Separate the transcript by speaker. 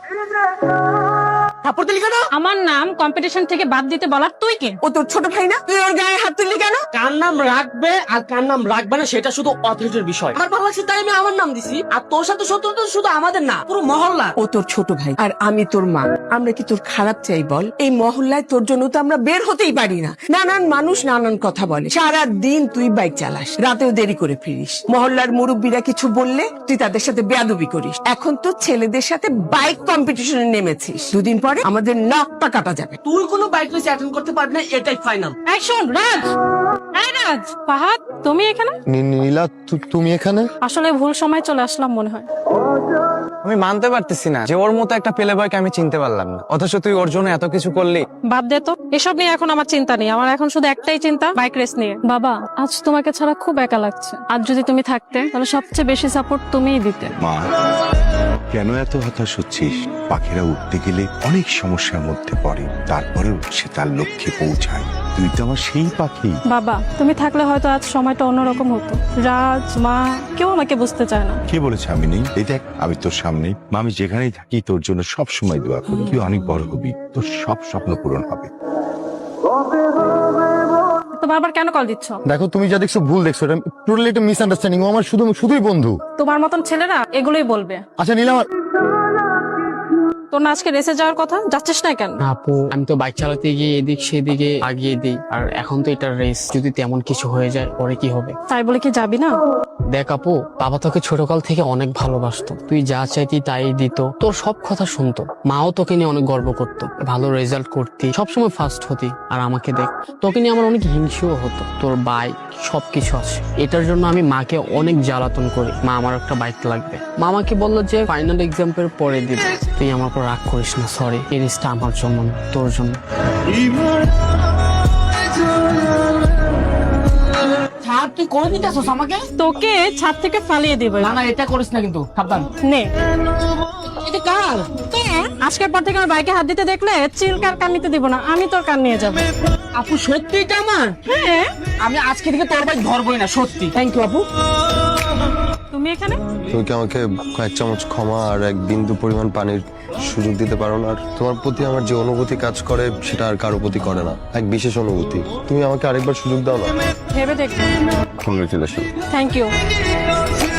Speaker 1: থাপ্পড় দিলি কেন?
Speaker 2: আমার নাম কম্পিটিশন থেকে বাদ দিতে বলার তুই কে?
Speaker 1: ও তোর ছোট ভাই না? তুই ওর গায়ে হাত তুললি কেন?
Speaker 3: কার নাম রাখবে আর কার নাম রাখবে না সেটা শুধু অথরিটির বিষয়। আমার ভালো লাগছে তাই আমি আমার নাম দিছি। আর তোর সাথে শত্রুতা শুধু আমাদের না, পুরো মহল্লা।
Speaker 1: ও তোর ছোট ভাই আর আমি তোর মা। আমরা কি তোর খারাপ চাই বল? এই মহল্লায় তোর জন্য তো আমরা বের হতেই পারি না। নানান মানুষ নানান কথা বলে। সারা দিন তুই বাইক চালাস, রাতেও দেরি করে ফিরিস। মহল্লার মুরব্বীরা কিছু বললে তুই তাদের সাথে বেয়াদবি করিস। এখন তো ছেলেদের সাথে বাইক কম্পিটিশনে নেমেছিস। দুদিন পরে আমাদের নাকটা কাটা যাবে।
Speaker 3: তুই কোনো বাইক রেস অ্যাটেন্ড করতে পারবি না, এটাই ফাইনাল।
Speaker 2: এই শোন রাজ, এই রাজ, ফাহাদ তুমি এখানে?
Speaker 4: নীলা তুমি এখানে?
Speaker 2: আসলে ভুল সময় চলে আসলাম মনে হয়।
Speaker 5: আমি মানতে পারতেছি না যে ওর মতো একটা পেলে বয়কে আমি চিনতে পারলাম না, অথচ তুই ওর জন্য এত কিছু করলি।
Speaker 2: বাদ দে তো, এসব নিয়ে এখন আমার চিন্তা নেই। আমার এখন শুধু একটাই চিন্তা, বাইক রেস নিয়ে। বাবা, আজ তোমাকে ছাড়া খুব একা লাগছে। আজ যদি তুমি থাকতে তাহলে সবচেয়ে বেশি সাপোর্ট তুমিই দিতে।
Speaker 6: মা, কেন এত হতাশ হচ্ছিস? পাখিরা উঠতে গেলে অনেক সমস্যার মধ্যে পড়ে, তারপরেও সে তার লক্ষ্যে পৌঁছায়। তুই তো আমার সেই পাখি।
Speaker 2: বাবা, তুমি থাকলে হয়তো আজ সময়টা অন্যরকম হতো। রাজ, মা, কেউ আমাকে বুঝতে চায় না।
Speaker 6: কে বলেছে আমি নেই? এই দেখ, আমি তোর সামনে। মা, আমি যেখানেই থাকি তোর জন্য সব সময় দোয়া করি। তুই অনেক বড় হবি, তোর সব স্বপ্ন পূরণ হবে।
Speaker 2: তো বারবার কেন কল দিচ্ছ?
Speaker 4: দেখো, তুমি যা দেখছো ভুল দেখছো। এটা টোটালি একটা মিসআন্ডারস্ট্যান্ডিং। ও আমার শুধুই বন্ধু।
Speaker 2: তোমার মতন ছেলেরা এগুলোই বলবে।
Speaker 4: আচ্ছা নীলা,
Speaker 2: তোর না আজকে রেসে যাওয়ার কথা, যাচ্ছিস না কেন?
Speaker 7: আপু, আমি তো বাইক চালাতে গিয়ে এদিক সেদিকে আগিয়ে দিই, আর এখন তো এটা রেস, যদি তেমন কিছু হয়ে যায় পরে কি হবে?
Speaker 2: তাই বলে কি যাবি না?
Speaker 7: দেখ আপু, বাবা তোকে ছোটকাল থেকে অনেক ভালোবাসতো। তুই যা চাইতি তাই দিত, তোর সব কথা শুনতো। মাও তোকে নিয়ে অনেক গর্ব করতো, ভালো রেজাল্ট করতি, সবসময় ফার্স্ট হতি। আর আমাকে দেখ, তোকে নিয়ে আমার অনেক হিংসেও হতো। তোর বাইক সবকিছু আছে, এটার জন্য আমি মাকে অনেক জ্বালাতন করি। মা, আমার একটা বাইক লাগবে। মা আমাকে বললো যে ফাইনাল এক্সামের পরে দিবে। তুই আমার উপর রাগ করিস না, সরি। এই রেসটা আমার জন্য না, তোর জন্য।
Speaker 3: ছাড়, তুই করে দিতে আসোস আমাকে।
Speaker 2: তোকে ছাদ থেকে ফালিয়ে দিব।
Speaker 3: না না, এটা করিস না কিন্তু, সাবধান।
Speaker 2: নে,
Speaker 3: এটা কার?
Speaker 2: আজকের পর থেকে আমার বাইকে হাত দিতে দেখলে চিলকার কান নিতে দিব না, আমি তোর কান নিয়ে যাবো।
Speaker 3: আপু সত্যি এটা আমার?
Speaker 2: হ্যাঁ।
Speaker 3: আমি আজকে থেকে তোর বাইক ধরবই না, সত্যি। থ্যাংক ইউ আপু।
Speaker 2: তুমি এখানে?
Speaker 4: তুমি কি আমাকে কয়েক চামচ ক্ষমা আর এক বিন্দু পরিমাণ পানির সুযোগ দিতে পারো না? আর তোমার প্রতি আমার যে অনুভূতি কাজ করে সেটা আর কারো প্রতি করে না, এক বিশেষ অনুভূতি। তুমি আমাকে আরেকবার সুযোগ দাও না।
Speaker 2: ভেবে দেখো।
Speaker 4: কংগ্রেচুলেশন।
Speaker 2: Thank you.